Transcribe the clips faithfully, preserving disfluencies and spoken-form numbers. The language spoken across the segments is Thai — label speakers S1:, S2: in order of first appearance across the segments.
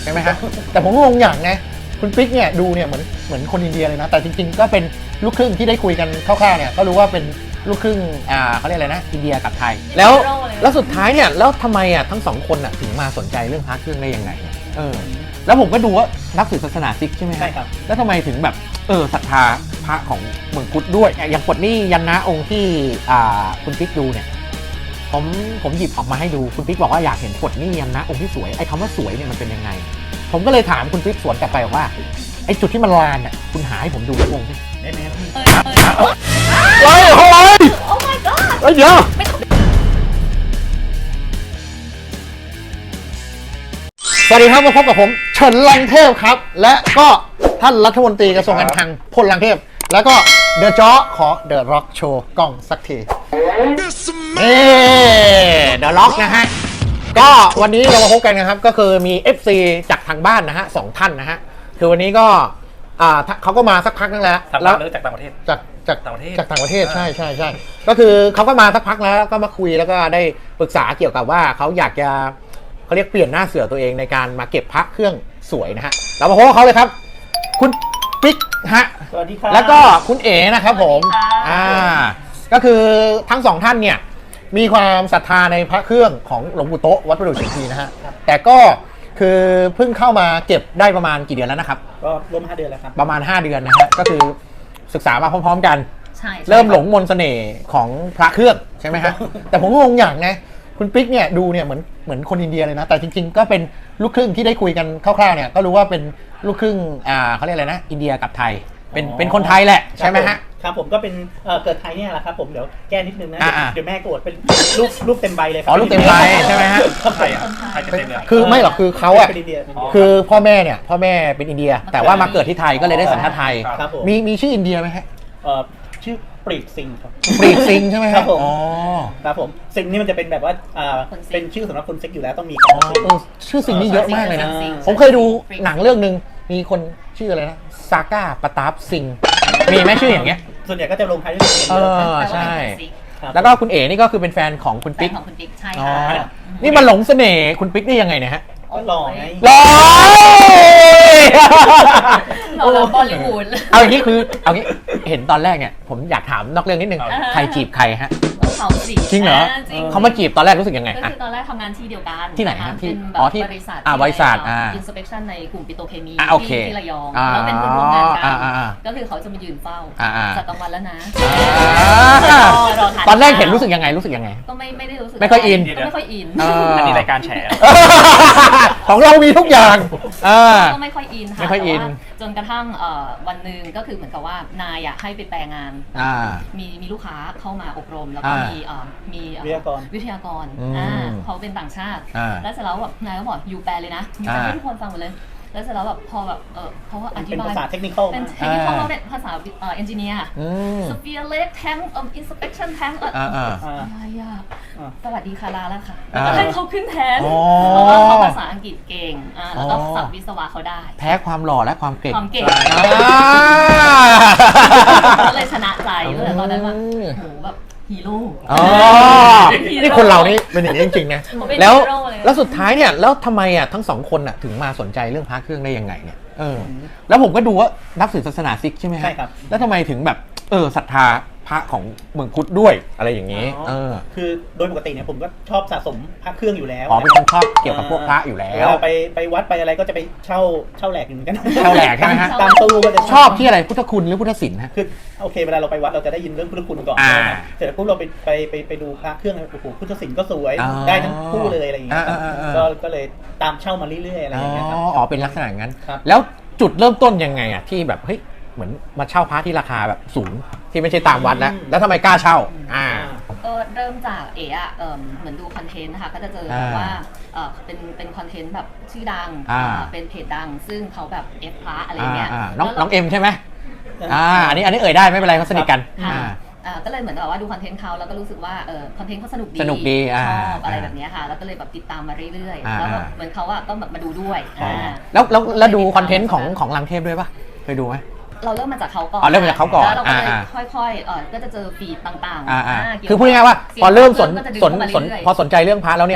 S1: ใช่ไหมฮะแต่ผมงงอย่างนะคุณปิ๊กเนี่ยดูเนี่ยเหมือนเหมือนคนอินเดียเลยนะแต่จริงๆก็เป็นลูกครึ่งที่ได้คุยกันคร่าวๆเนี่ยก็รู้ว่าเป็นลูกครึ่งอ่าเขาเรียกอะไรนะอินเดียกับไทยแล้วแล้วสุดท้ายเนี่ยแล้วทำไมอ่ะทั้งสองคนอ่ะถึงมาสนใจเรื่องพระเครื่องได้ยังไงเออแล้วผมก็ดูว่านับถือศาสนาซิกใช่ไหม
S2: ใช่ครับ
S1: แล้วทำไมถึงแบบเออศรัทธาพระของเมืองพุทธด้วยอย่างปลดหนี้ยันนะองค์ที่อ่าคุณปิ๊กดูเนี่ยผมผมหยิบออกมาให้ดูคุณปิ๊กบอกว่าอยากเห็นปลดหนี้ยันนะองค์ที่สวยไอ้คำว่าสวยเนี่ยมันเป็นยังไงผมก็เลยถามคุณปิ๊กสวนกลับไปว่าไอ้จุดที่มันลานอ่ะคุณหาให้ผมดูสักองค์สิ
S2: ได้ไหมครับ
S1: เฮ้ยเฮ้ย
S3: Oh my god
S1: เฮ้ยเดี๋ยวสวัสดีครับมาพบกับผมเฉินลังเทพครับและก็ท่านรัฐมนตรีกระทรวงการคลังพลลังเทพแล้วก็เดอะจ๊อขอเดอะร็อกโชว์กล้องสักทีเอ๊เดอะร็อกนะฮะก็วันนี้เรามาพบกันนะครับก็คือมี เอฟ ซี จากทางบ้านนะฮะสองท่านนะฮะคือวันนี้ก็อ่าเขาก็มาสักพักนึงแล้ว
S2: แล้วจากต่างประเทศ
S1: จากจาก
S2: ต่างประเทศ
S1: จากต่างประเทศใช่ใช่ใช่ก็คือเขาก็มาสักพักแล้วก็มาคุยแล้วก็ได้ปรึกษาเกี่ยวกับว่าเขาอยากจะเขาเรียกเปลี่ยนหน้าเสือตัวเองในการมาเก็บพระเครื่องสวยนะฮะเรามาพบกับเขาเลยครับคุณปิ๊กฮะ
S2: สวัสดีครับ
S1: แล้วก็คุณเอ๋นะครับผมอ่าก็คือทั้งสองท่านเนี่ยมีความศรัทธาในพระเครื่องของหลวงปู่โต๊ะวัดประดู่เฉียงทีนะฮะแต่ก็คือเพิ่งเข้ามาเก็บได้ประมาณกี่เดือนแล้วนะครับ
S2: ก็ร่วมห้าเดือนแล้วครับ
S1: ประมาณห้าเดือนนะฮะก็คือศึกษามาพร้อมๆกันเริ่มหลงมนต์เสน่ห์ของพระเครื่องใช่ไหมฮะแต่ผมงงอย่างนะคุณปิ๊กเนี่ยดูเนี่ยเหมือนเหมือนคนอินเดียเลยนะแต่จริงๆก็เป็นลูกครึ่งที่ได้คุยกันคร่าวๆเนี่ยก็รู้ว่าเป็นลูกครึ่งอ่าเขาเรียกอะไรนะอินเดียกับไทยเป็นเป็นคนไทยแหละใช่ไหมฮะ
S2: ครับผมก็เป็นเกิดไทยเนี่ยแหละครับผมเดี๋ยวแก้นิดนึงนะเดี๋ยวแม่โกรธเป็นรูปรูปเต็มใบเลยครับ
S1: อ๋อรูปเต็มใบใช่ไหมฮะ
S2: ไทยอ่ะไทยเต็มเลย
S1: คือไม่หรอกคือเขาอ่ะคือพ่อแม่เนี่ยพ่อแม่เป็นอินเดียแต่ว่ามาเกิดที่ไทยก็เลยได้สัญชาติไทยมีมีชื่ออินเดียไหมฮะ
S2: ชื่อปรีดซิงครับ
S1: ปรีดซิงใช่ไหม
S2: ครับผม
S1: อ๋อ
S2: ครับผมซิงนี่มันจะเป็นแบบว่าเป็นชื่อสำหรับคนเซ็กอยู่แล้วต้องมี
S1: ชื่อซิงนี่เยอะมากเลยนะผมเคยดูหนังเรื่องนึงมีคนชื่ออะไรนะซาก้าปตาฟซิงมีไหมชื่ออย่างเงี้ย
S2: ส่วนใหญ่ก็จะลงท้ายด้วยซิง
S1: เออใช่แล้วก็คุณเอ๋นี่ก็คือเป็นแฟนของคุณปิ๊ก
S3: ของคุณปิ๊กใช่ค่ะ
S1: นี่มันหลงเสน่ห์คุณปิ๊กได้ยังไงเนี่ยฮะ
S2: หล่อไง
S1: หล่อ
S3: หล่อบอลลีวูด
S1: เอาอย่างนี้คือเอางี้เห็นตอนแรกเนี่ยผมอยากถามนอกเรื่องนิดนึงใครจีบใครฮะ
S3: เขาสิ
S1: จริงเหรอเขามาจีบตอนแรกรู้สึกยังไง
S3: ก็คือตอนแรกทำงานที่เดียวกัน
S1: ที่ไหนฮะ
S3: ที่อ๋อที่บริษัท
S1: อ่าบริษัทอ่า
S3: inspection ในกลุ่มปิโตรเคมี
S1: ที่
S3: ระยองแล้วเป็นคนร่วมงานกันก็คือเขาจะมายืนเฝ้าจัดกลางวันแล้วนะ
S1: ตอนแรกเห็นรู้สึกยังไงรู้สึกยังไง
S3: ก็ไม่ไม่ได้รู้สึก
S1: ไม่ค่อยอิน
S3: ก็ไม่ค่อยอิน
S2: อันนี้รายการแฉ
S1: ของเรามีทุกอย่าง
S3: ก็ไม่ค่อยอินค่ะ
S1: ไม่ค่อยอิน
S3: จนกระทั่งวันหนึ่งก็คือเหมือนกับว่านายให้ไปแปลงานมีมีลูกค้าเข้ามาอบรมแล้วก็มีมี
S2: วิทยากร
S3: วิทยากรเขาเป็นต่างชาติแล้วเสร็จแล้วแบบนายก็บอกยูแปลเลยนะยูแปลให้ทุกคนฟังหมดเลยแล้วเสร็จแล้วแบบพอแบบเออเขาก็อธิบาย
S2: เป็นภาษาเทคนิค
S3: เป็นเทคนิคเขาเป็นภาษาเอนจิเนียร์สเฟียร์เล็กแทงเอ่ออินสเปคชั่นแทงเอออะไรอ่ะสวัสดีค่ะลาแล้วค่ะแล้วก็ให้เขาขึ้นแทนเพราะว่าเขาภาษาอังกฤษเก่งแล้วก็ศัพท์วิศวะเขาได้
S1: แพ้ความหล่อและความเก่ง
S3: ความเก่งก็เลยชนะใจเลยตอนนั้นว่าโหแบบฮีโร่
S1: อ๋อนี่คนเรานี่เป็นอย่างนี้จริงๆนะแล้วแล้วสุดท้ายเนี่ยแล้วทำไมอ่ะทั้งสองคนอ่ะถึงมาสนใจเรื่องพระเครื่องได้ยังไงเนี่ยเออแล้วผมก็ดูว่านับถือศาสนาซิกใช่ไหมฮะ
S2: ใช่ครับ
S1: แล้วทำไมถึงแบบเออศรัทธาพระของเมืองพุทธด้วยอะไรอย่างนี้เออ
S2: คือโดยปกติเนี่ยผมก็ชอบสะสมพระเครื่องอยู่แล้ว
S1: อ๋อเป็นคนชอบเกี่ยวกับพวกพระอยู่แล้ว
S2: ไปไปวัดไปอะไรก็จะไปเช่าเช่าแหลกเหมือนกัน
S1: เช่าแหลกใช่ไหมฮะ
S2: ตามตู้ก็จะ
S1: ชอบที่อะไรพุทธคุณหรือพุทธศิลป์ฮะ
S2: คือโอเคเวลาเราไปวัดเราจะได้ยินเรื่องพุทธคุณก่อนเสร็จแล้วปุ๊บเราไปไปไปไปดูพระเครื่องโอ้โหพุทธศิลป์ก็สวยได้ทั้งคู่เลยอะไรอย่างเงี้ยก็ก็เลยตามเช่ามาเรื่อยๆอะไรอย่างเงี้ยครับ
S1: อ๋อเป็นลักษณะงั้นแล้วจุดเริ่มต้นยังไงอ่ะที่แบบเฮ้ยเหมือนมาเช่าพระที่ราคาแบบสูงที่ไม่ใช่ตามวัดแล้วแล้วทำไมกล้าเช่าอ่า
S3: ก็เริ่มจากเอ๋อะเหมือนดูคอนเทนต์นะคะก็จะเจอว่าเป็นเป็นคอนเทนต์แบบชื่อดังเป็นเพจดังซึ่งเขาแบบเอฟพระอะไรเงี้ย
S1: น้องน้องเอ็มใช่ไหมอ่าอันนี้อันนี้เอ่ยได้ไม่เป็นไรเขาสนิทกัน
S3: ก็เลยเหมือนแบบว่าดูคอนเทนต์เขาแล้วก็รู้สึกว่าเออคอนเทนต์เขาสนุกดี
S1: สนุกดี
S3: ชอบอะไรแบบนี้ค่ะแล้วก็เลยแบบติดตามมาเรื่อยๆแล้วเหมือนเขาอะก็แบบมาดูด้วย
S1: แล้วแล้วแล้วดูคอนเทนต์ของของลังเทพด้วยปะเคยดูไหม
S3: เราเริ่มมาจากเขาก่อน
S1: อ๋อเริ่มมาจากเขาก่อน
S3: แล้วเราก็เลยค่อยๆเออก็จะเจอฟีดต่าง
S1: ๆคือพูดง่ายๆว่าพอเริ่มสนสนสนพอสนใจเรื่องพระแล้วเนี่ยปุ๊บ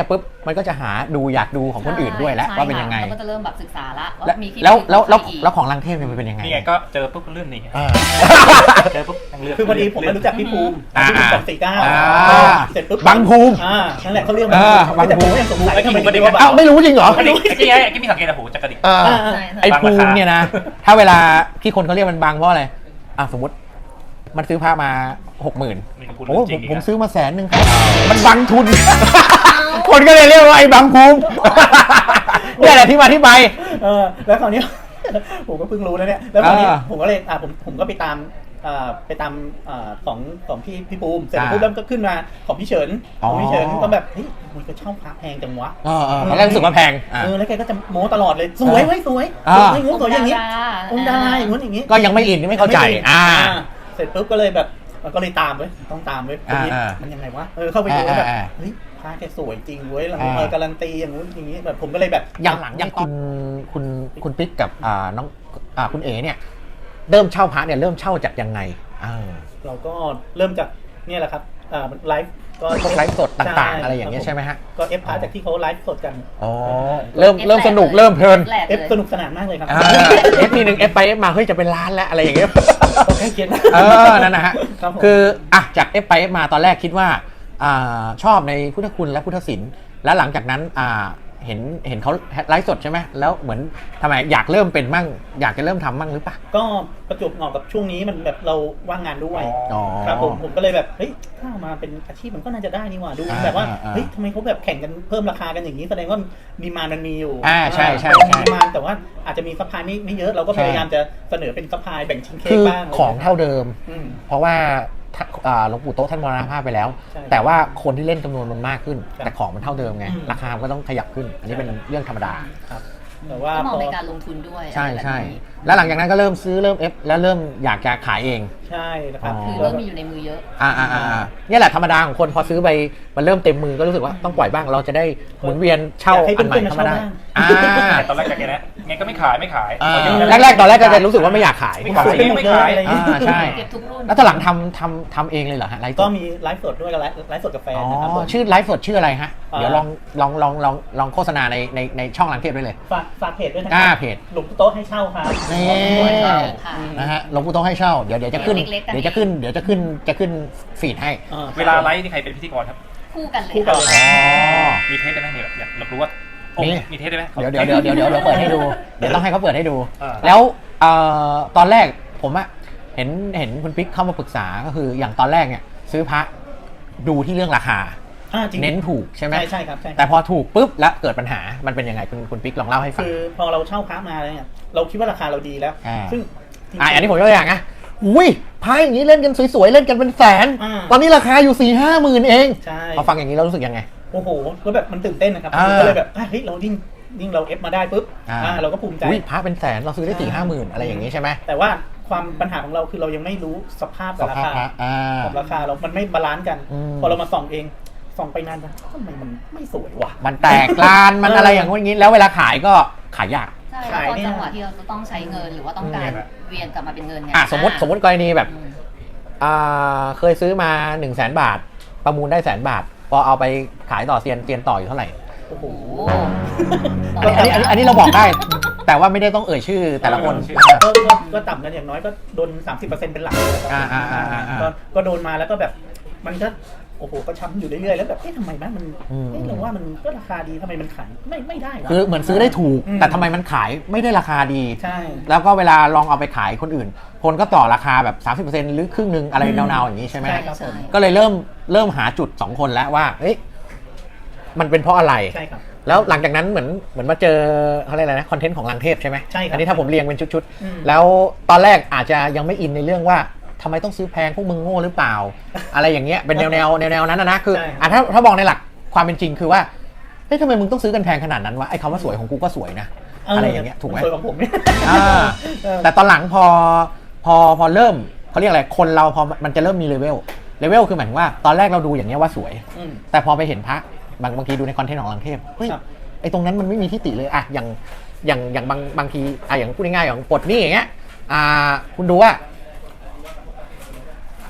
S1: มันก็จะหาดูอยากดูของคนอื่นด้วยแล้วว่าเป็นยังไง
S3: เราก็จะเริ่มแบบศึกษาละว่า
S1: แล้ว
S3: มีคลิป
S1: แล้วแล้วแล้ว
S3: ใครอีก
S1: แล้วของลังเทพเนี่ยมันเป็นยังไง
S4: นี่ไงก็เจอปุ๊บก็เลื่อนนี่
S1: อ่า
S4: เจอปุ๊บยังเลื่อน
S2: คือพอดีผมไม่รู้จักพี่ภูมิ
S1: อ่า
S2: พี่ภูมิสองสี่เก้า
S1: อ่า
S2: เสร็จปุ๊บ
S1: บังภูมิ
S2: อ่านั่นแหละเขาเรียก
S1: อ่าบัง
S2: แต่
S1: ภู
S2: ผม
S1: มิ
S2: ก็ยังสงสัยทำไมถึงเรียกว่าบัง
S1: อ้าวไม่รู้จริงเหรอ
S4: กระดิกไอ้ที่ไอ้ที่มีสังเกตอะหูจะกระดิก
S1: อ่า
S2: อ่า
S3: ใช่ใช่
S1: ไอ้ภูมิเนี่ยนะ ถ้าเวลาที่คนเขาเรียกมันบังเพราะอะไรอ่ะสมมติมันซื้อผ้ามาหกหมื่น
S4: นี่ก็พูด
S1: โอ้
S4: เรื่องจ
S1: ผ
S4: ริ
S1: ม
S4: ง
S1: ผมซื้อมาแสนหนึ่งครับมันบังทุน คนก็เลยเรียกว่าไอ้บังภูมิเนี่ยแหละที่มาที่ไป
S2: เออแล้วคราวนี้ ผมก็เพิ่งรู้นะเนี่ยแล้วคราวนี้
S1: อ่า
S2: ผมก็เลยอ่าผมผมก็ไปตามอ่าไปตามอ่าของของพี่พี่ปูมเสร็จ
S1: อ่า
S2: ปุ๊บแล้วก็ขึ้นมาของพี่เฉิน
S1: อ๋อ
S2: ของพี่เฉินก็แบบเฮ้ยมันก็เช่าพระแพงจังวะ
S1: เออเออตอนแรกรู้สึกว่าแพงอ่ะ
S2: เออแล้วแกก็จะโม้ตลอดเลยสวยไว้ยสวย
S1: อ่า
S2: สวยงูสวยอย่างนี้
S3: อ
S2: อง ง
S3: ค์
S2: ค์
S3: ดา
S2: ดา
S3: รา
S2: ราอย่างนู้นอย่างนี้
S1: ก็ยังไม่อินไม่เข้าใจอ่า
S2: เสร็จปุ๊บก็เลยแบบเออก็เลยตามเว้ยต้องตามเว้ย
S1: อ่าอ่า
S2: มันยังไงวะเออเข้าไปดูแล้วแบบ
S1: อ่าอ่า
S2: เฮ้ยพระแกสวยจริงเว้ยแล้ว
S1: อ่า
S2: เออการันตีอย่างนู้นอย่างนี้แบบผมก็เลยแบบ
S1: อย่างหลังอย่างคุณคุณคุณปิ๊กกับอ่าน้องอ่าคุณเอ๋เนี่ยเริ่มเช่าพระเนี่ยเริ่มเช่าจากยังไงอ่า
S2: เราก็เริ่มจากเนี่ยแหละครับอ่าไลฟ์ก็
S1: พวกไลฟ์สดต่างๆ
S2: ใช่
S1: อะไรอย่างเงี้ยใช่ไหมฮะ
S2: ก็เอฟพาร์จากที่เขาไลฟ์สดกัน
S1: อ๋อเริ่มเริ่มสนุกเริ่มเพลิน
S3: แหลก
S2: เอฟ
S3: เลย
S2: สนุกสนานมากเลยครับ
S1: อ่าเอฟทีหนึ่งเอฟไปเอฟมาเฮ้ยจะเป็นล้านแล้วอะไรอย่างเงี้ย
S2: ต้องให้เกียรติ
S1: เออนั่นนะฮะ
S2: ครับผม
S1: คืออ่ะจากเอฟไปเอฟมาตอนแรกคิดว่าอ่าชอบในพุทธคุณและพุทธศิลป์แล้วหลังจากนั้นอ่าเห็นเห็นเขาไลฟ์สดใช่ไหมแล้วเหมือนทำไมอยากเริ่มเป็นมั่งอยากจะเริ่มทำมั่งหรือเปล่า
S2: ก็ประจวบเหมาะกับช่วงนี้มันแบบเราว่างงานด้วย
S1: อ๋อ
S2: ครับผมผมก็เลยแบบเฮ้ยถ้าเอามาเป็นอาชีพมันก็น่าจะได้นี่หว่าดู
S1: อ่า
S2: แบบว่า
S1: อ่าอ่า
S2: เฮ้ยทำไมเขาแบบแข่งกันเพิ่มราคากันอย่างนี้แสดงว่าดีมานมันมีอยู่
S1: อ่าใช่ใช่
S2: มี
S1: ใช่
S2: ดีมานแต่ว่าอาจจะมีซัพพลายไม่ไม่เยอะเราก็
S1: ใช่
S2: พยายามจะเสนอเป็นซัพพลายแบ่งชิ้นเค้
S1: คื
S2: ก
S1: อ
S2: บ้าง
S1: ของเท่าเดิม
S2: อืม
S1: เพราะว่าถ้าอ่าหลวงปู่โต๊ะท่านมรณภาพไปแล้ว
S2: ใช่
S1: แต่ว่าคนที่เล่นจำนวนมันมากขึ้น
S2: ครับ
S1: แต่ของมันเท่าเดิมไง
S2: อืม
S1: ราคามันก็ต้องขยับขึ้น อันนี้เป็นเรื่องธรรมดา
S2: ครับแต่ว่า
S3: ก็มอง
S2: พอ
S3: ในการลงทุนด้วย
S1: ใช่
S3: อะไรแบบ
S1: ใช่
S3: นี้
S1: แล้วหลังจากนั้นก็เริ่มซื้อเริ่มเอฟแล้วเริ่มอยากจะขายเอง
S2: ใช่นะครับ
S1: อ๋อ
S3: คือ
S2: แล้
S3: เริ่
S2: ว
S3: ม
S2: ก็
S3: มีอยู่ในมือเยอะ
S1: อ่าอ่าอ่าเนี่ยแหละธรรมดาของคนพอซื้อไปมันเริ่มเต็มมือก็รู้สึกว่าต้องปล่อยบ้างเราจะได้หมุนเวียนเช่า
S2: อยากให้
S1: อันใหม่
S2: เพื่อนๆ
S1: เข้ามาได้
S2: มาเช่าบ้าง
S1: อ่า
S4: ๆแต่ตอนแรกจากแกนะไงก็ไม่ขายไม่ขาย
S1: อ่า
S4: พอเยะ
S1: แรกๆตอนแรกก็จะรู้สึกว่าไม่อยากขาย
S4: ไม่ขาย
S2: สวยไม่ขายอะไรอย่าง
S1: อ่า
S2: เงี้ย
S1: ใช่
S3: เก็บทุกรุ่น
S1: แล้วตอนหลังทำทำทำเองเลยเหรอฮะไลฟ์ส
S2: ก็
S1: ด
S2: มีไลฟ์สดด้วยกับไลฟ์ไลฟ์สดกับแฟน
S1: อ๋อ
S2: นะครับผม
S1: ชื่อไลฟ์สดชื่ออะไรฮะ
S2: อ่า
S1: เดี๋ยวลองลองลองลองลองโฆษณาในในในช่องลังเทพได้เลย
S2: ฝากฝากเพจด้วยนะค
S1: อ่า
S2: รั
S1: เพจ
S2: หลวงปู่โต๊ะให้เช่าครับ
S1: นี่
S3: ค่ะ
S1: นะฮะหลวงปู่ต้องให้เช่าเดี๋ยวเดี๋ยวจะขึ้น
S3: เล็กๆกัน
S1: เดี๋ยวจะขึ้นเดี๋ยวจะขึ้นจะขึ้นฟีดให้
S2: อ่า
S4: เวลาไลฟ์นี่ใครเป็นพิธีกรครับ
S3: คู่กันเลย
S2: คู่กันเลย
S1: อ๋อ
S4: มีเทสได้ไหมเนี่ยอยากอยากรู้ว่าโอ้
S1: มี
S4: มีเทสได้ไหม
S1: เดี๋ยวเดี๋ยวเดี๋ยวเดี๋ยวเดี๋ยวเดี๋ยวเปิดให้ดู เดี๋ยวต้องให้เขาเปิดให้ดู
S4: อ่า
S1: แล้วเอ่อตอนแรกผมอะเห็นเห็นคุณปิ๊กเข้ามาปรึกษาก็คืออย่างตอนแรกเนี่ยซื้อพระดูที่เรื่องราคา
S2: อ่าจริง
S1: เน้นถูกใช่ไหม
S2: ใช่ใช่ครับใช่ครับ
S1: แต่พอถูกปุ๊บแล้วเกิดปัญหามันเป็นยังไงคุณคุณปิ๊กลองเล่าให้ฟัง
S2: คือพอเราเช่าพระมาเนี่ยเราคิดว่าราคาเราดีแล้ว
S1: อ่า
S2: ซึ่งจริงๆ
S1: อ่ะอันนี้ผมยกตัวอย่างนะอุ้ยพายอย่างนี้เล่นกันสวยๆ เล่นกันเป็นแสน
S2: อ่า
S1: ตอนนี้ราคาอยู่สี่ห้าหมื่นเอง
S2: ใช่
S1: พอฟังอย่างนี้เรารู้สึกยังไง
S2: โอ้โหก็แบบมันตื่นเต้นนะครับ
S1: อ่า
S2: ก็เลยแบบอ่ะเฮ้ยเรายิ่งยิ่งเราเอฟมาได้ปุ๊บ
S1: อ่า
S2: อ่าเราก็ภูมิใจ
S1: อุ้ยพระเป็นแสนเราซื้อได้สี่ห้าหมื่นอะไรอย่างนี้ใช่ไหม
S2: แต่ว่าความปัญหาของเราคือเรายังไม่รู้สภาพ
S1: ส
S2: กับรา
S1: ภาพ
S2: คา
S1: พระอ่า
S2: กับราคาเรา มันไม่บาลานซ์กัน
S1: อืม
S2: พอเรามาส่องเองส่องไปนานไปทำไมมันไม่สวยว่ะ
S1: มันแตกลานมันอะไรอย่างงี้แล้วเวลาขายก็ขายยาก
S3: ใช่
S2: ขาย
S3: แล้วพอ
S2: เนี่ย
S3: จังหวะที่เราจะต้องใช้เงินหรือว่าต้องการเวียนกลับมาเป็นเงินเนี่ย
S1: อ่ะสมมติสมมติกรณีแบบ
S3: อืม
S1: อ่าเคยซื้อมาหนึ่งแสนบาท ประมูลได้แสนบาท พอเอาไปขายต่อเซียนเซียนต่ออยู่เท่าไหร่
S2: โอ้โห
S3: โอ้
S1: อันนี้อันนี้อันนี้เราบอกได้ แต่ว่าไม่ได้ต้องเอ่ยชื่อแต่ละคน
S2: ก็ก็ก็ต่ำกันอย่างน้อยก็โดน สามสิบเปอร์เซ็นต์ เป็นหลักเลยครับ
S1: อ่าอ่าอ่าอ่าอ่า
S2: ก็ก็โดนมาแล้วก็แบบมันก็โอ้โหก็ช้ำอยู่เรื่อยๆแล้วแบบเอ๊ะทำไมนะมัน
S1: อืม
S2: เอ๊ะเราว่ามันก็ราคาดีทำไมมันขายไม่ไม่ได้วะ
S1: คือเหมือนซื้อได้ถูก
S2: อืม
S1: แต่ทำไมมันขายไม่ได้ราคาดี
S2: ใช่
S1: แล้วก็เวลาลองเอาไปขายคนอื่น คนก็ต่อราคาแบบ สามสิบเปอร์เซ็นต์ หรือครึ่งหนึงอะไร
S2: อืม
S1: แนวๆอย่างนี้ใช่ไหม
S2: ใช่ครับผม
S1: ก็เลยเริ่มเริ่มหาจุดสองคนแล้วว่าเอ๊ะมันเป็นเพราะอะไร
S2: ใช่ครับ
S1: แล้วหลังจากนั้นเหมือนเหมือนมาเจอเขาเรียกอะไรนะคอนเทนต์ของลังเทพใช่ไหม
S2: ใช่ครับ
S1: อันนี้ถ้าผมเรียงเป็นชุด
S2: อืม
S1: ๆ แล้วตอนแรกอาจจะยังไม่อินในเรื่องว่าทำไมต้องซื้อแพงพวกมึงโง่หรือเปล่า อะไรอย่างเงี้ยเป็นแนวแนวแนวแนวนั้นนะนะคือ
S2: ใช่
S1: อ่ะถ้าถ้ามองในหลักความเป็นจริงคือว่าเฮ้ยทำไมมึงต้องซื้อกันแพงขนาดนั้นวะไอ้คำว่าสวยของกูก็สวยนะอะไรอย่างเงี้ยถูกไหม
S2: สวยของผมเนี่ย
S1: อ่า
S2: เออ
S1: แต่ตอนหลังพอพอพอเริ่มเขาเรียกอะไรคนเราพอมันจะเริ่มมีเลเวลเลเวลคือหมายถึงว่าตอนแรกเราดูอย่างเงี้ยว่าสวย
S2: อืม
S1: แต่พอไปเห็นพระบางบางทีดูในคอนเทนต์ของลังเทพเฮ้ย
S2: ครับ
S1: ไอ้ตรงนั้นมันไม่มีที่ติเลยอะอย่างอย่างอย่างบางบางทีอะอย่างพูดง่ายๆอย่างปลดหนี่อย่างเงี้ยอ่าคุณดูว่า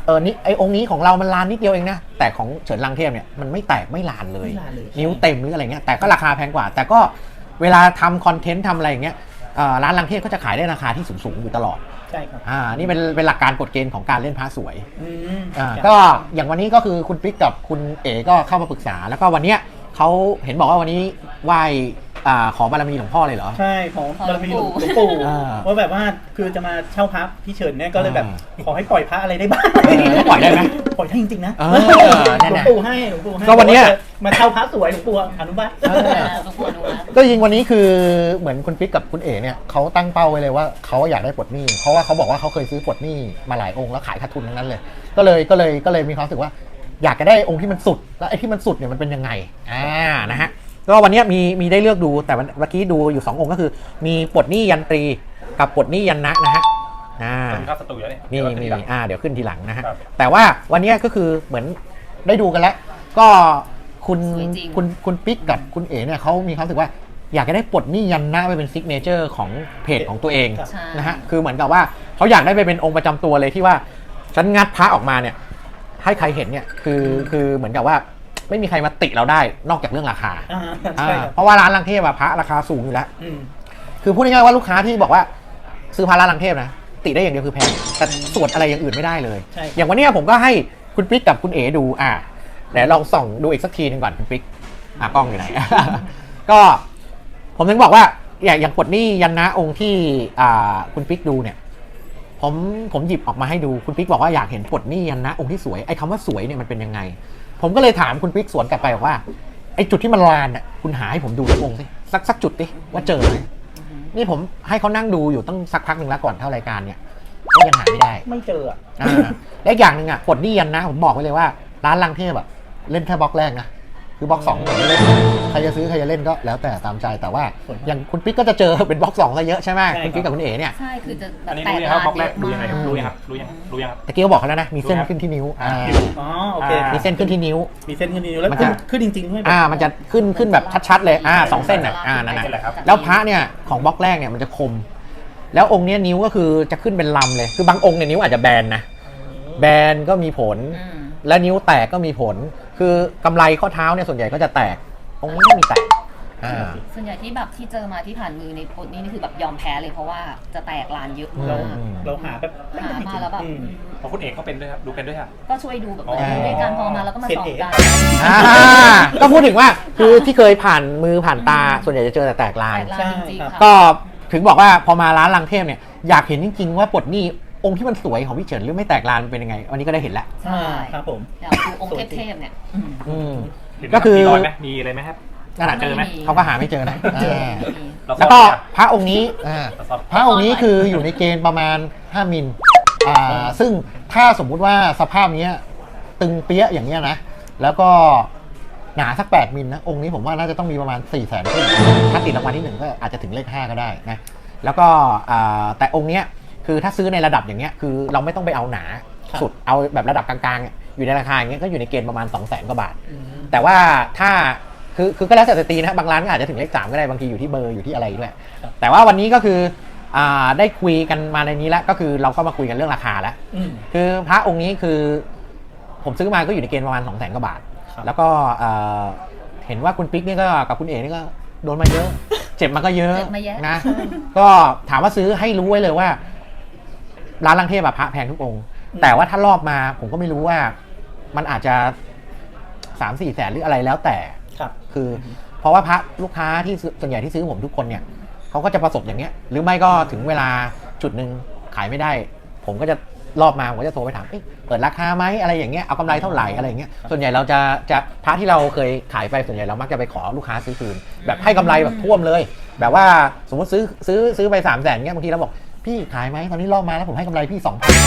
S1: เออนี่ไอองค์นี้ของเรามันลานนิดเดียวเองนะแต่ของเฉินลังเทพเนี่ยมันไม่แตกไม่ลานเลย
S2: ไม่ลานเลย
S1: นิ้วเต็มหรืออะไรเงี้ยแต่ก็ราคาแพงกว่า แต่ก็เวลาทำคอนเทนต์ทำอะไรอย่างเงี้ยเอ่อร้านลังเทพก็จะขายได้ราคาที่สูงๆอยู่ตลอด
S2: ใช่ครับ
S1: อ่านี่เป็นเป็นหลักการกฎเกณฑ์ของการเล่นพระสวย
S2: อืม
S1: อ่าก็อย่างวันนี้ก็คือคุณปิ๊กกับคุณเอ๋ก็เข้ามาปรึกษา แล้วก็วันเนี้ยเขาเห็นบอกว่าวันนี้ไหว้อ่าขอบารมีหลวงพ่อเลยเหรอ
S2: ใช่ของบารมีหลวงปู่
S1: อ่า
S2: ว่าแบบว่าคือจะมาเช่าพระพี่เฉินเนี่ยก็เลยแบบ
S1: อ่า
S2: ขอให้ปล่อยพระอะไรได้บ้าง
S1: เออปล่อยได้ไหม
S2: ปล่อยได้จริงๆนะ
S1: เออนั่น
S2: หลว
S1: น่ะ
S2: งปู่ให้หลวงปู่ให้
S1: ก็วันเนี้ย
S2: มาเช่าพระสวยหลวงปู่อนุบาล
S1: เออ
S3: หลวงปู่ดูนะ
S1: ก็ยิงวันนี้คือเหมือนคุณปิ๊กกับคุณเอ๋เนี่ยเขาตั้งเป้าไว้เลยว่าเขาอยากได้ปลดหนี้เพราะว่าเขาบอกว่าเขาเคยซื้อปลดหนี้มาหลายองค์แล้วขายขาดทุนทั้งนั้นเลย ก็เลยก็เลยก็เลยมีความรู้สึกว่า อยากจะได้องค์ที่มันสุดแล้วไอ้ที่มันสุดเนี่ยมันเป็นยังไงอ่านะฮะก็วันนี้มีมีได้เลือกดูแต่เมื่อกี้ดูอยู่สององค์ก็คือ มีปลดหนี้ยันตรีกับปลดหนี้ยันนะนะฮะอ่า
S4: เป็นภาพสตูอยู่แล้วเนี่ย
S1: มี
S4: เดี๋ยวเรา
S1: มี
S4: จะ
S1: อ่าเดี๋ยวขึ้นทีหลังนะฮะ
S4: ครับ
S1: แต่ว่าวันนี้ก็คือเหมือนได้ดูกันแล้ว ก็คุณ
S3: สวยจริง
S1: คุณคุณปิ๊กกับคุณเอ๋เนี่ยเขามีความรู้สึกว่าอยากจะได้ปลดหนี้ยันหน้าไปเป็นซิกเนเจอร์ของเพจของตัวเอง
S2: ครับ
S3: ใช่
S1: นะฮะคือเหมือนกับว่าเขาอยากได้ไปเป็นองค์ประจำตัวเลยที่ว่าฉันงัดพระออกมาเนี่ยให้ใครเห็นเนี่ยคือคือเหมือนกับว่าไม่มีใครมาติเราได้นอกจากเรื่องราคา
S2: อ่า
S1: อ่า
S2: ใช่ครับ
S1: เพราะว่าร้านลังเทพอะพระราคาสูงอยู่แล้ว
S2: อืม
S1: คือพูดง่ายๆว่าลูกค้าที่บอกว่าซื้อพาราลังเทพนะติได้อย่างเดียวคือแพงแต่สวดอะไรอย่างอื่นไม่ได้เลย
S2: ใช่
S1: อย่างวันเนี้ยผมก็ให้คุณปิ๊กกับคุณเอ๋ดูอ่ะเดี๋ยวลองส่องดูอีกสักทีหนึงก่อนคุณปิ๊กอ่ะกล้องอยู่ไหน ก็ผมถึงบอกว่าอย่างอย่างปลดหนี้ยันนะองค์ที่อ่าคุณปิ๊กดูเนี่ยผมผมหยิบออกมาให้ดูคุณปิ๊กบอกว่าอยากเห็นปลดหนี้ยันนะองค์ที่สวยไอ้คำว่าสวยเนี่ยมันเป็นยังไง ผมก็เลยถามคุณปิ๊กสวนกลับไปบอกว่าไอ้จุดที่มันลานอ่ะคุณหาให้ผมดูสักองค์สิสักสักจุดดิว่าเจอไหม นี่ผมให้เขานั่งดูอยู่ตั้งสักพักหนึ่งแล้วก่อนเข้ารายการเนี่ยก็ยังหาไม่ได้
S2: ไม่เจออ่ะ
S1: อ่าและอีกอย่างหนึ่งอ่ะปลดหนี้ยันนะผมบอกไว้เลยว่าร้านลังเทพแบบเล่นแค่บล็อกแรกนะคือบล็อกสองผมไม่เล่นใครจะซื้อใครจะเล่นก็แล้วแต่ตามใจแต่ว่าอย่างคุณปิ๊กก็จะเจอเป็นบล็อกสองซะเยอะใช่ไหม
S2: ใช่
S1: คุณปิ๊กกับคุณเอ๋เนี่ย
S3: ใช่คือจะแบ
S4: อั
S3: บ
S4: นนี้
S3: แต
S4: รู้
S3: ก
S4: ยังค
S3: ลา
S4: รับ
S3: น
S4: บล็อกแรก
S3: เย
S4: รู้
S3: อะ
S4: ยังไง
S3: มาก
S4: รู้ยังครับรู้ยังรู้ยังครับ
S1: ตะกี้ก็บอกเขาแล้วนะมีเส้นขึ้นที่นิ้วอ่า
S2: อ๋อโอเค
S1: มีเส้นขึ้นที่นิ้ว
S2: มีเส้นขึ้นนิ้วแล้ว
S1: มัน
S2: ขึ้
S1: จะ
S2: นขึ้นจริงๆด้วยแบบ
S1: อ่ามันจะขึ้นขึ้นแบบชัดๆเลยอ่าสองเส้นอ่ะอ่านั่น
S4: เส้นอะไร
S1: น่ะ
S4: ครับ
S1: แล้วพระเนี่ยของบล็อกแรกเนี่ยมันจะคม แล้วองค์เนี้ยนิ้วก็คือจะขึ้นเป็นลำเลยคือบางองค์เนี่ยนิ้วอาจจะแบนนะแบนก็มีผล
S3: อืม
S1: และนิ้วแตกก็มีผล คือกำไรข้อเท้าเนี่ยส่วนใหญ่ก็จะแตกองค์นี้ไม่มีแตกอ่า
S3: ส่วนใหญ่ที่แบบที่เจอมาที่ผ่านมือในโพสต์นี้นี่คือแบบยอมแพ้เลยเพราะว่าจะแตกลานเยอะ
S2: เรา
S3: มาก
S2: เราหาแบบ
S3: หามาแล้วแบบ
S2: อืม
S4: เพราะคุณเอกเขาเป็นด้วยครับดูเป็นด้วยครับ
S3: ก็ช่วยดูแบบ
S4: อ๋อ
S3: ดูด้วยกันพอมาแล้วก็มาสอนกัน
S1: อ่าก็พูดถึงว่าคือที่เคยผ่านมือผ่านตาส่วนใหญ่จะเจอแต่แตกลา
S3: แต
S1: น
S3: กลานจริงๆค่ะ
S1: ก็ถึงบอกว่าพอมาร้านลังเทพเนี่ยอยากเห็นจริงๆว่าปลดหนี้องค์ที่มันสวยของพี่เฉินหรือไม่แตกลานมันเป็นยังไงวันนี้ก็ได้เห็นแล้ว
S3: ใช่
S2: ครับผม
S3: เดี๋ยวดูองค์เทพๆเนี่ยอืม
S1: อืม
S4: เห็นไหม
S1: ก็คือ
S4: มีรอยไหมมีอะไรไหมครับ
S1: นั่นแหละ
S4: เจอไหม
S1: เขาก็หาไม่เจอนะ
S3: เจอ
S1: อ่า
S3: มี
S4: เรา
S1: แล้ว
S4: ซ่
S1: ก็
S4: อนไหมครับ
S1: พระองค์นี้อ่า
S4: เราซ่อน
S1: พระองค์นี้คืออยู่ในเกณฑ์ประมาณห้ามิลอ่าซึ่งถ้าสมมุติว่าสภาพเนี้ยตึงเปี้ยอย่างเงี้ยนะแล้วก็หนาสักแปดมิลนะองค์นี้ผมว่าน่าจะต้องมีประมาณสี่แสนขึ้นถ้าติดรางวัลที่หนึ่งก็อาจจะถึงเลขห้าก็ได้นะแล้วก็อ่าแต่องค์เนี้ยคือถ้าซื้อในระดับอย่างเงี้ยคือเราไม่ต้องไปเอาหนา
S2: ครับ
S1: สุดเอาแบบระดับกลางๆเนี่ยอยู่ในราคาอย่างเงี้ยก็อยู่ในเกณฑ์ประมาณสองแสนกว่าบาท
S2: อืม
S1: แต่ว่าถ้าคือคือก็แล้วแต่จะตีนะบางร้านก็อาจจะถึงเลขสามก็ได้บางทีอยู่ที่เบอร์อยู่ที่อะไรด้วย
S2: ครับ
S1: แต่ว่าวันนี้ก็คืออ่าได้คุยกันมาในนี้แล้วก็คือเราก็มาคุยกันเรื่องราคาแล้ว
S2: อืม
S1: คือพระองค์นี้คือผมซื้อมาก็อยู่ในเกณฑ์ประมาณสองแสนกว่าบาท
S2: ครับ
S1: แล้วก็เอ่อเห็นว่าคุณปิ๊กนี่ก็กับคุณเอ๋นี่ก็โดนมาเยอะ เจ็บมาก็เยอะ
S3: เจ็บมาเยอะ
S1: นะก็ถามว่าซื้อให้รู้ไว้เลยว่า ร้านลังเทพอะพระแพงทุกองค์ แต่ว่าถ้ารอบมาผมก็ไม่รู้ว่ามันอาจจะสามสี่แสนหรืออะไรแล้วแต่
S2: ครับ
S1: คือเพราะว่าพระลูกค้าที่ซื้อส่วนใหญ่ที่ซื้อผมทุกคนเนี่ยเขาก็จะประสบอย่างเงี้ยหรือไม่ก็ถึงเวลาจุดหนึ่งขายไม่ได้ ผมก็จะรอบมาผมก็จะโทรไปถามเอ๊ะเปิดราคาไหมอะไรอย่างเงี้ยเอากำไรเท่าไหร่อะไรอย่างเงี้ยส่วนใหญ่เราจะจะพระที่เราเคยขายไปส่วนใหญ่เรามักจะไปขอลูกค้าซื้อคืน แบบให้กำไรแบบท่วมเลย แบบว่าสมมติซื้อซื้อซื้อไปสามแสนเงี้ยบางทีเราบอกพี่ขายไหมตอนนี้รอบมาแล้วผมให้กำไรพี่สองพัน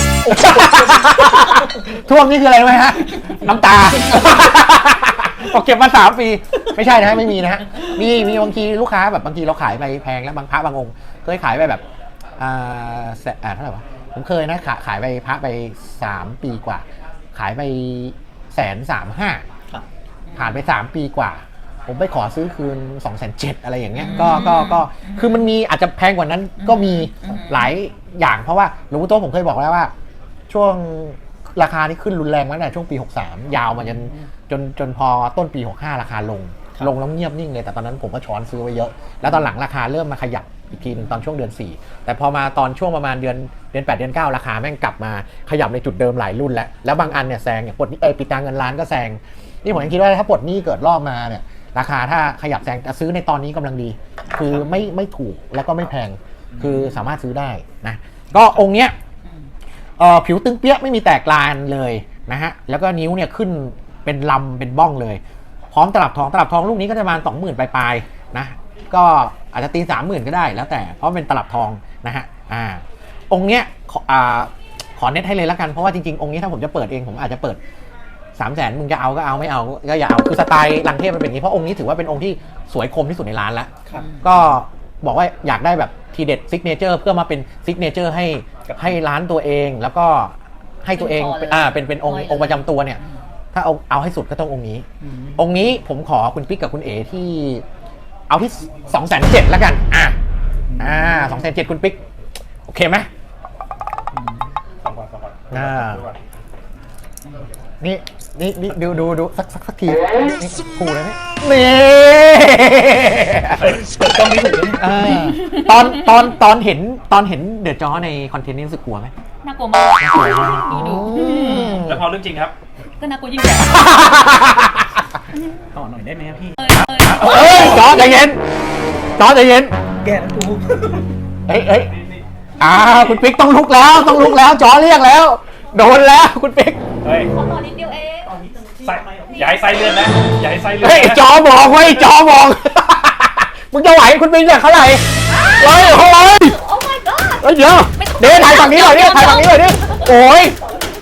S1: ท่วมนี่คืออะไรรู้ไหมฮะน้ำตา บอกเก็บมาสามปีไม่ใช่นะฮะไม่มีนะฮะมีมีบางทีลูกค้าแบบบางทีเราขายไปแพงแล้วบางพระบางองค์เคยขายไปแบบอ่าแสอ่าเท่าไหร่วะผมเคยนะขายขายไปพระไปสามปีกว่า ขายไปแสนสามห้า
S2: ครับ
S1: ผ่านไปสามปีกว่า ผมไปขอซื้อคืนสองแสนเจ็ดอะไรอย่างเงี้ยก็ก็ก็คือมันมีอาจจะแพงกว่านั้นก็มีหลายอย่างเพราะว่าหลวงปู่โตผมเคยบอกแล้วว่า ช่วงราคานี่ขึ้นรุนแรงมาตั้งแต่ช่วงปีหกสามยาวมาจนจนจนพอต้นปีหกห้าราคาลงลงแล้วเงียบนิ่งเลยแต่ตอนนั้นผมก็ช้อนซื้อไว้เยอะแล้วตอนหลังราคาเริ่มมาขยับอีกทีนึงตอนช่วงเดือนสี่แต่พอมาตอนช่วงประมาณเดือนเดือนแปดเดือนเก้าราคาแม่งกลับมาขยับในจุดเดิมหลายรุ่นแล้วแล้วบางอันเนี่ยแซงอย่างปลดเอปิดตาเงินล้านก็แซงนี่ผมยังคิดว่าถ้าปลดหนี้เกิดรอบมาเนี่ยราคาถ้าขยับแซงจะซื้อในตอนนี้กำลังดีคือไม่ไม่ถูกแล้วก็ไม่แพงคือสามารถซื้อได้นะก็องค์เนี้ยเอ่อผิวตึงเปี้ยไม่มีแตกลานเลยนะฮะแล้วก็นิ้วเนี่ยขึ้นเป็นลำเป็นบ้องเลยพร้อมตลับทองตลับทองลูกนี้ก็จะประมาณสองหมื่นปลายๆนะก็อาจจะตีสามหมื่นก็ได้แล้วแต่เพราะเป็นตลับทองนะฮะอ่าองค์เนี้ยขออ่าขอเน็ตให้เลยแล้วกันเพราะว่าจริงๆองค์นี้ถ้าผมจะเปิดเองผมอาจจะเปิดสามแสนมึงจะเอาก็เอาไม่เอาก็อย่าเอาคือสไตล์ลังเทพมันเป็นอย่างนี้เพราะองค์นี้ถือว่าเป็นองค์ที่สวยคมที่สุดในร้านแล้วก็บอกว่าอยากได้แบบทีเด็ดซิกเนเจอร์เพื่อมาเป็นซิกเนเจอร์ให้ให้ร้านตัวเองแล้วก็ให้ตัวเองอ่าเป็นเป็นองค์องค์ประจำตัวเนี่ยถ้าเอาเอาให้สุดก็ต้ององค์นี้องค์นี้ผมขอคุณปิ๊กกับคุณเอที่เอาที่สองแสนเจ็ดแล้วกันอ่าอ่าสองแสนเจ็ดคุณปิ๊กโอเคไหม
S4: สองก่อนสองก่อน
S1: อ่า นี่นี่นี่ดูดูดูสักสักสักทีนี่คู่เลยนี่นี่
S2: เปิดกล้องไม่ถูกเลย
S1: เออตอนตอนตอนเห็นตอนเห็นเดอะจอในคอนเทนต์นี้รู้สึกกลัวไหม
S3: น่ากลัวมากดูดู
S4: แล้วพอเรื่องจริงครับ
S3: ก็น่ากลัวยิ่งใหญ่
S2: ต่อหน่อยได้ไหมครับพี่
S3: เอ้ยเอ้ย
S1: เอ้ยจอใจเย็นจอใจเย็น
S2: แกแล้วกู
S1: เอ้ยเอ้ยอ่าคุณปิ๊กต้องลุกแล้วต้องลุกแล้วจอเรียกแล้วโดนแล้วคุณปิ๊ก
S4: เฮ้ย
S3: ขอต่อนิดเดียวเอง
S4: ไส้อย่าให้ไส้เลื่อนนะอย่าให้ไส้เลื่อน
S1: เฮ้ย
S4: นะ
S1: จอบอกไว้จอบอก มึงจะไหวคุณปิ๊กเนี่ยเท่าไหร่ร้อยเท่าไหร่
S3: โอ้ my god
S1: เฮ้ยเดี๋ยวเดี๋ยวถ่ายฝั่งนี้หน่อยดิถ่ายฝั่งนี้หน่อยดิโอ้ย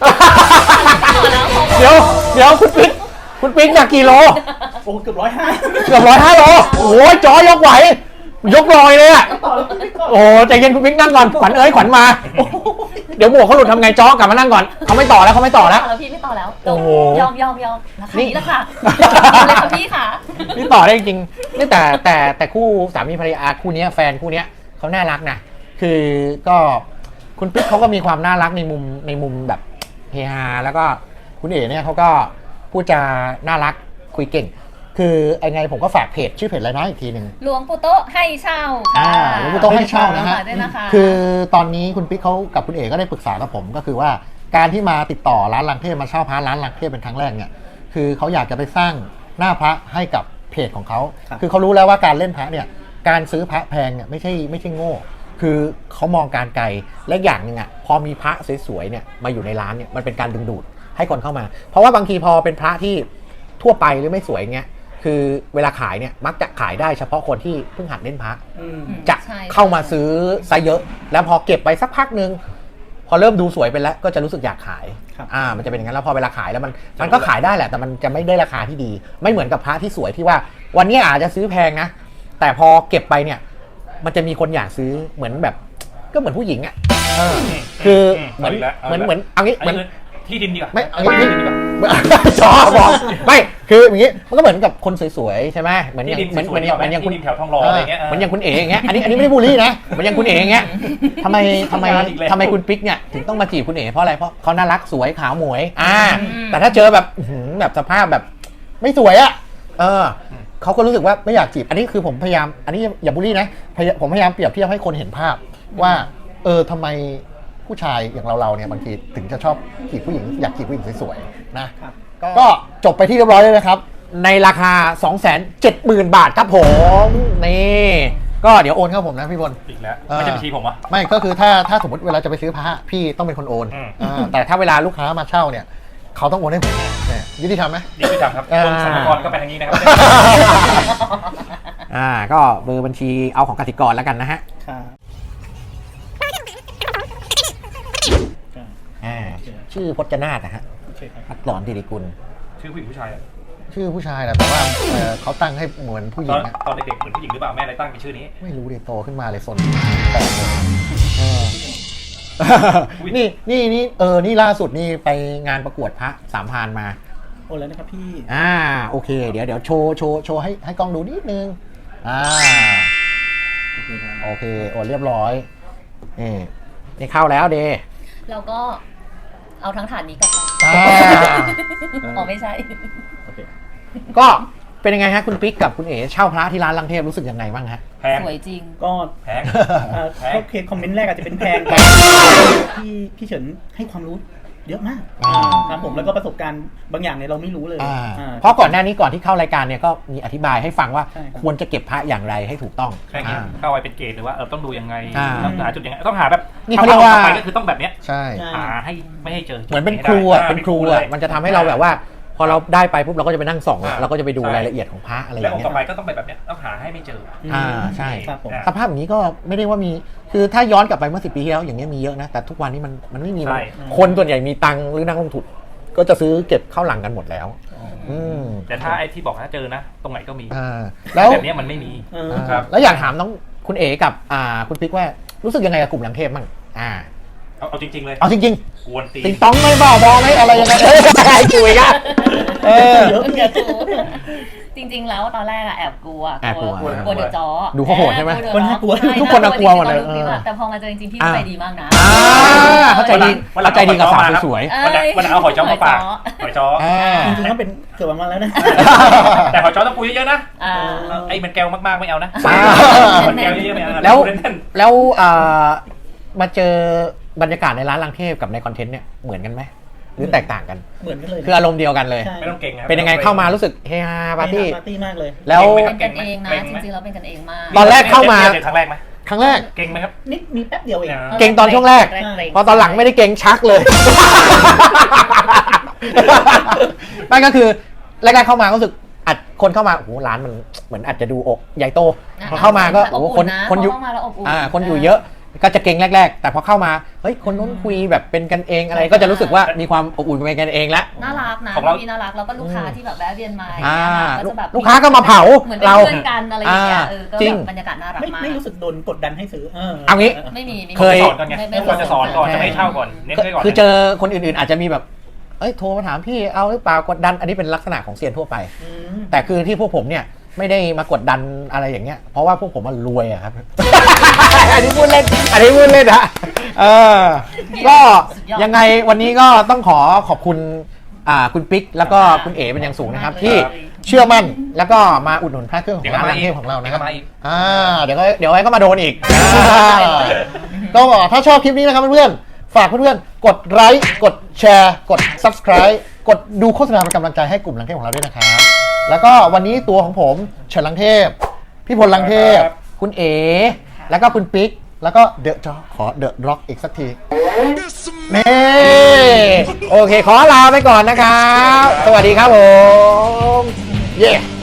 S1: เดี๋ยวเดี๋ยวคุณปิ๊กคุณปิ๊กหนักกี่โล
S2: โอ้เกือบร้อยห้า
S1: เกือบร้อยห้าโลโอ้ยจอยกไหวยกลอยเลยอะ
S2: ต่อแล้วพี่ก่อน
S1: โอ้ใจเย็นคุณปิ๊กนั่งก่อนขวัญเอ้ยขวัญมาเดี๋ยวหมวกเขาหลุดทำไงจอกลับมานั่งก่อนเขาไม่ต่อแล้วเขาไม่ต่อแล้ว
S3: แล้วพี่ไม่ต่อแล้ว
S1: โอ้โห
S3: ยอมยอมยอมราคา
S1: นี่
S3: นี้แหละค่ะเอาเลยค่ะพี่ค่ะ
S1: นี่ต่อได้จริงๆนี่แต่แต่แต่คู่สามีภรรยาคู่เนี้ยแฟนคู่เนี้ยเขาน่ารักนะคือก็คุณปิ๊กเขาก็มีความน่ารักในมุมในมุมแบบเฮฮาแล้วก็คุณเอ๋เนี่ยเขาก็พูดจาน่ารักคุยเก่ง คือไงผมก็ฝากเพจชื่อเพจอะไรนะอีกทีหนึ่ง
S3: หลวงปู่โต๊ะให้เช่าค่ะ
S1: อ่าหลวงปู่โต๊ะให้เช่านะฮะ
S3: ฝกด้วยนะคะ
S1: คือตอนนี้คุณปิ๊กเขากับคุณเอ๋ก็ได้ปรึกษากับผมก็คือว่าการที่มาติดต่อร้านลังเทพมาเช่าพระร้านลังเทพเป็นครั้งแรกเนี่ยคือเขาอยากจะไปสร้างหน้าพระให้กับเพจของเขาคือเขารู้แล้วว่าการเล่นพระเนี่ยการซื้อพระแพงเนี่ยไม่ใช่ไม่ใช่โง่คือเขามองการไกลและอย่างหนึ่งอ่ะพอมีพระสวยๆเนี่ยมาอยู่ในร้านเนี่ยมันเป็นการดึงดูดให้คนเข้ามาเพราะว่าบางทีพอเป็นพระที่ทั่วไปหรือไม่สวยเงี้ยคือเวลาขายเนี่ยมักจะขายได้เฉพาะคนที่เพิ่งหัดเล่นพระ
S2: อืม
S1: จะเข้ามาซื้อไซส์เยอะ แล้วพอเก็บไปสักพักนึงพอเริ่มดูสวยไปแล้วก็จะรู้สึกอยากขาย
S2: ครับ
S1: อ่ามันจะเป็นอย่างนั้นแล้วพอเวลาขายแล้วมันมันก็ขายได้แหละแต่มันจะไม่ได้ราคาที่ดี ไม่เหมือนกับพระที่สวยที่ว่า วันนี้อาจจะซื้อแพงนะแต่พอเก็บไปเนี่ยมันจะมีคนอยากซื้อเหมือนแบบก็เหมือนผู้หญิงอ่ะเออคือเหมือนเหมือนเหมือนเอางี้เหมือน
S4: ที่ดินดีกว่า
S1: ไม่เอา
S4: ที่
S1: งี้
S4: ดินดีกว่า
S1: จอบอกไม่คืออย่างงี้มันก็เหมือนกับคนสวยๆใช่ไหมเหมือนอย่าง
S4: ที่ดิน
S1: เหมือน
S4: ส
S1: เห
S4: ว
S1: มื
S4: ย
S1: อน
S4: ๆ
S1: เหมือนอย่างคุณ
S4: ที่ดินแถวทองหล่ออะไรเงี้ย
S1: เหมือนอย่างคุณเอ๋อย่างเงี้ยอันนี้อันนี้ไม่ได้บูลลี่นะเหมือนอย่างคุณเอ๋อย่างเงี้ยทำไมทำไม
S4: ทำงานอีกแล้ว
S1: ทำไมคุณปิ๊กเนี่ยถึงต้องมาจีบคุณเอ๋เพราะอะไรเพราะเขาน่ารักสวยขาวหมวยอ่าแต่ถ้าเจอแบบอื้อหือแบบสภาพแบบไม่สวยอ่ะเออเขาก็รู้สึกว่าไม่อยากจีบอันนี้คือผมพยายามอันนี้อย่าบูลลี่นะพยายามผมพยายามเปรียบเทียบให้คนเห็นภาพว่าเออทำไมผู้ชายอย่างเราๆเนี่ยบางทีถึงจะชอบจีบผู้หญิงอยากจีบผู้หญิงสวยๆนะครับก็จบไปที่เรียบร้อยเลยนะครับในราคา สองแสนเจ็ดหมื่น บาทครับผมนี่ก็เดี๋ยวโอนเข้าผมนะพี่บอล
S4: อีกแล้วไม่ใช่บัญชีผมวะ
S1: ไม่ก็คือถ้าถ้าสมมติเวลาจะไปซื้อพระพี่ต้องเป็นคนโอน
S4: อืม
S1: อ่าแต่ถ้าเวลาลูกค้ามาเช่าเนี่ยเขาต้องโอนให้ผมเนี่ยยุติธรรมไหม
S4: นี่คือทำครับ
S1: อ่า
S4: กรมสรรพากรก็ไปทางนี้นะครับ
S1: อ่าก็เบอร์บัญชีเอาของกสิกรแล้วกันนะฮะ
S2: ครับ
S1: อ่าชื่อพจนาถนะฮะ
S2: โอเคครับ
S1: อักษรธิริกุล
S4: ชื่อผู้หญิงผู้ชายอะ
S1: ชื่อผู้ชายแหละแต่ว่าเอ่อเขาตั้งให้เหมือนผู้ห
S4: ต
S1: ญิ
S4: อง น
S1: อะ
S4: ตอนเด็กๆเหมือนผู้หญิงหรือเปล่าแม่อะไรตั้งเป็นชื่อนี้
S1: ไม่รู้เลยโตขึ้นมาเลยสนแปลกเลยเออนี่นี่นี่เออนี่ล่าสุดนี่ไปงานประกวดพระสามพรานมา
S2: โอนแล้วนะครับพี่
S1: อ่าโอเคเดี๋ยวเดี๋ยวโชว์โชว์โชว์ให้ให้กล้องดูนิดนึงอ่า
S2: โอเคครับ
S1: โอเคโอนเรียบร้อยนี่นี่เข้าแล้วเด
S3: แล้วก็เอาทั้งถาดนี้กลับไป
S1: อ่า
S3: อ๋อไม่ใช่
S2: โอเค
S1: ก็เป็นยังไงฮะคุณปิ๊กกับคุณเอ๋เช่าพระที่ร้านลังเทพรู้สึกยังไงบ้างฮะ
S4: แพง
S3: สวยจริง
S2: ก็
S4: แพง
S2: เอ่อโอเคคอมเมนต์แรกอาจจะเป็นแพงแต่พี่พี่เฉินให้ความรู้เยอะมาก
S1: อ่า
S2: ครับผมแล้วก็ประสบการณ์บางอย่างเนี่ยเราไม่รู้เลย
S1: อ่า
S2: อ่า
S1: เพราะก่อนหน้านี้ก่อนที่เข้ารายการเนี่ยก็มีอธิบายให้ฟังว่า
S2: ใช่ครับ
S1: ควรจะเก็บพระอย่างไรให้ถูกต้อง
S4: แค่นี้
S1: อ่า
S4: เข้าไปเป็นเกณฑ์หรือว่าเออต้องดูยังไง
S1: อ่า
S4: ต้องหาจุดยังไงต้องหาแบบ
S1: นี่เขาเรียกว่า
S4: ถ้อไปก็คือต้องแบบเนี้ย
S1: ใช่
S2: ใช่
S4: หาให้ไม่ให้เจอ
S1: เหมือนเป็นครูอ่ะ
S4: ให้ได้
S1: เป็นครู
S4: เล
S1: อ่ะ
S4: ย
S1: มันจะทำให้เราแบบว่า พอเราได้ไปปุ๊บเราก็จะไปนั่งส่องอะ
S4: อ่า
S1: เราก็จะไปดู
S4: ใช่
S1: รายละเอียดของพระอะไรอ
S4: แล้ว
S1: ย่าง
S4: องค์
S1: เงี้
S4: ต่อย ไปก็ต้องไปแบบเนี้ยต้องหาให้ไม่เจอ
S1: อ่าใช่
S2: ครับผม
S1: สภาพอย่างนี้ก็ไม่ได้ว่ามีคือถ้าย้อนกลับไปเมื่อสิบปีที่แล้วอย่างเงี้ยมีเยอะนะแต่ทุกวันนี้มันมันไม่มี
S4: ใช่
S1: คนส่วนใหญ่มีตังค์หรือนักลงทุนก็จะซื้อเก็บเข้าหลังกันหมดแล้วอืม
S4: แต่ถ้าไอ้ที่บอกถ้าเจอนะ ตรงไหนก็มี
S1: อ่าแล้ว
S4: แบบเนี้ยมันไม่มี
S2: เออ
S1: อ่า
S4: ครับ
S1: แล้วอยากถามน้องคุณเอ๋กับอ่าคุณปิ๊กว่ารู้สึกยังไงกับกลุ่มหลังเทพบ้างอ่า
S4: เอาเอาจริง ๆ เลย
S1: เอาจริง
S4: กวนตี
S1: ๆ ติงต้องไม่บ้าบอไหมอะไรยังไงเอ้ยไอ้คุยกันเออ
S2: เยอะ
S3: เดี๋ยวกูจริงๆแล้วตอนแรกอะแอบกลัว
S1: แอบกลัว
S3: กลัวเดือดจ้อ
S1: ดูเขาโหดใช่ไหม
S3: กลัวเดือดจ้อใช่
S1: ทุกคนน่ะกลัวหมดเลย
S3: จริงๆอะแต่พอมาเจอจริงๆพี่
S1: อ่า
S3: ใจดีมากนะ
S1: อ่าเข้าใจดี
S4: วันหลั
S1: เข้าง ใจดีกับสาวสวย
S3: เอ้
S4: วันหลัง
S3: ย
S4: วันหลังเอาหอยจ้อมาฝากหอยจ้อ
S1: ๆอ่า
S2: จริงๆก็เป็นเกือบวันแล้วนะ
S4: แต่หอยจ้อต้องปูเยอะๆนะ
S3: อ่า
S4: ไอ้มันแก้วมากๆไม่เอานะ
S1: อ่า
S4: มันแก้วเยอะๆไม่เอานะ
S1: แล้ว
S4: ปูเล่น
S1: แล้วอ่ามาเจอบรรยากาศในร้านลังเทพกับในคอนเทนต์เนี่ยเหมือนกันไหมหรือแตกต่างกัน
S2: เหมือนกันเลย
S1: คืออารมณ์เดียวกันเลย
S2: ใช่
S4: ๆไม่ต้องเก่งนะ
S1: เป็นยังไงเข้ามารู้สึกเฮฮาปาร์ตี้
S2: ปาร์ตี้มากเลย
S1: แล้ว
S3: เป็นกันเองนะจริงๆเราเป็นกันเองมาก
S1: ตอนแรกเข้ามา
S4: เจอครั้งแรกไหม
S1: ครั้งแรก
S4: เก่งไหมครับ
S2: นิดมีแป๊บเดียวเอง
S4: อ่า
S1: เก่งตอนช่วงแรก พอตอนหลังไม่ได้เก่งชักเลย นั่นก็คือแรกๆเข้ามาก็รู้สึกอัดคนเข้ามาโอ้โหร้านมันเหมือนอาจจะดูอกใหญ่โตพอเข้ามาก็โอ้โหคนคนอยู่
S3: เข้ามาแล้วอบอุ่น
S1: อ่าคนอยู่เยอะก็จะเก่งแรก ๆ แต่พอเข้ามาเฮ้ยคนนู้นคุยแบบเป็นกันเองอะไรก็จะรู้สึกว่ามีความอบอุ่นเป็นกันเองแล้ว
S3: น่ารักนะ
S4: ของเรา
S3: พี่น่ารักแล้วก็ลูกค้าที่แบบแวะเวียนมา
S1: อ่า
S3: ก็จะแบบ
S1: ลูกค้าก็มาเผา
S3: เหมือนเป็น
S1: เรา
S3: เพื่อนกันอะไรอย่างเงี้ย
S1: อ่า
S3: เออก็
S1: จริ
S3: แบ
S1: ง
S3: บบรรยากาศน่ารัก
S2: ไม่
S3: มาก
S2: ไม่รู้สึกโดนกดดันให้ซื้อ
S1: เอางี้
S3: ไม่มีไม่มี
S1: เคย
S4: สอนก่อนไง
S3: ไม่ไม่
S4: ควรจะสอนก่อน
S1: ใช่
S4: จะไม่ให้เช่าก่อนเน้นไว้ก่อน
S1: คือเจอคนอื่นๆอาจจะมีแบบเอ้ยโทรมาถามพี่เอาหรือเปล่ากดดันอันนี้เป็นลักษณะของเซียนทั่วไป
S2: อืม
S1: แต่คือที่พวกผมเนี่ยไม่ได้มากดดันอะไรอย่างเงี้ย เพราะว่าพวกผมมันรวยอะครับ อันนี้พูดเล่น อันนี้พูดเล่นนะเออ ก็ยังไงวันนี้ก็ต้องขอขอบคุณอ่าคุณปิ๊กแล้วก็คุณเอ๋เป็นอย่างสูงนะครับ ที่เชื่อมั่นแล้วก็มาอุดหนุนพระเครื่องของร้านลังเทพของเรานะครับ
S4: มาอีก
S1: อ่าเดี๋ยวก็เดี๋ยวไว้ก็มาโดนอีกอ่าก็ถ้าชอบคลิปนี้นะครับเพื่อนๆฝากเพื่อนๆกดไลค์กดแชร์กด Subscribe กดดูโฆษณาเป็นกำลังใจให้กลุ่มลังเทพของเราด้วยนะครับแล้วก็วันนี้ตัวของผมเฉินลังเทพพี่พลลังเทพคุณเอ๋แล้วก็คุณปิ๊กแล้วก็เดอะจอขอเดอะร็อกอีกสักทีนี่โอเคขอลาไปก่อนนะครับสวัสดีครับผมเย้